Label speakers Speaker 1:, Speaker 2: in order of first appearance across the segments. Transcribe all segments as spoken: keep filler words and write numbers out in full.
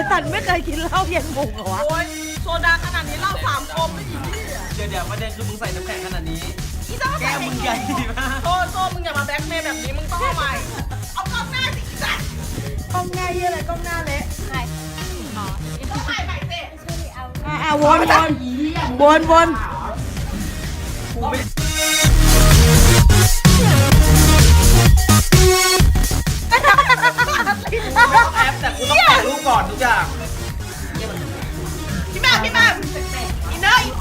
Speaker 1: สันไม่เคยกินเหล้าเย็นมุงเหรอวะ
Speaker 2: โอ้ยโซดาขนาดนี้เหล้าสามคมไม่อีกที่
Speaker 3: เดี๋ยวเดี๋ยวประเด็นคือมึงใส่น้ำแข็งขนาดนี้
Speaker 2: อีซ่า
Speaker 3: แก้วมึงใหญ่มาก
Speaker 2: โซโซมึงอย่ามาแบล็กเมย์แบบนี้มึงต้องเอาใหม่เอากล้องหน้าสิอีสัตว์
Speaker 1: กล้องหน้าเยี่ยอะไรกล้องหน้าเละ
Speaker 4: ใครอ๋อ
Speaker 2: ต้องใหม่ใหม่สิ
Speaker 4: ชื่อเอา
Speaker 1: อ่ะอ่ะวนวนวนวน
Speaker 3: กูไม่แอปแต่กูต้องถ่ายรูปก่อนทุกอย่าง
Speaker 2: พี่แม่พี่แม่อีเนย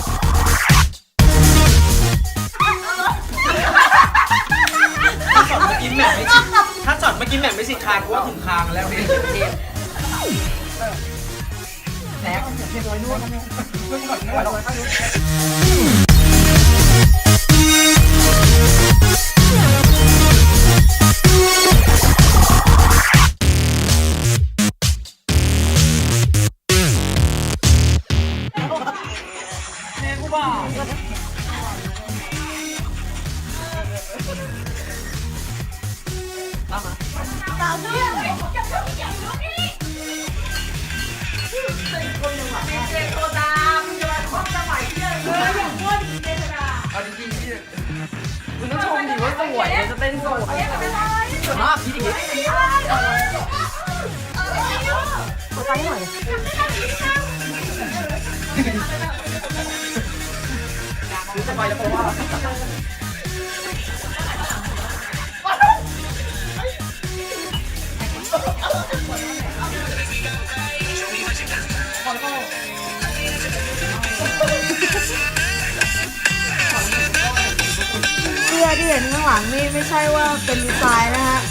Speaker 3: ถ้าช็อตเมื่อกี้แหม่มไม่สิถ้าช็อตเมื่อกี้แหม่มไม่สิคางกูว่าถึงคางแล้วเนี่ยแหนกเรียบร้อยนวดเพิ่งก่อนนวด
Speaker 2: สาวเพื่อนเจโซดามึงจะมาคบจะใหม่เพื่อนเลยอย่างอ้วนเจโซดา
Speaker 3: เอาจริงๆพี่มึงต้องชมดิว่าสวยมันจะเต้นสวยสวยมากพี่ดิคือสบายแล้วเพราะว่า
Speaker 1: เสื้อที่เห็นข้างหลังนี่ไม่ใช่ว่าเป็นดีไซน์นะฮะ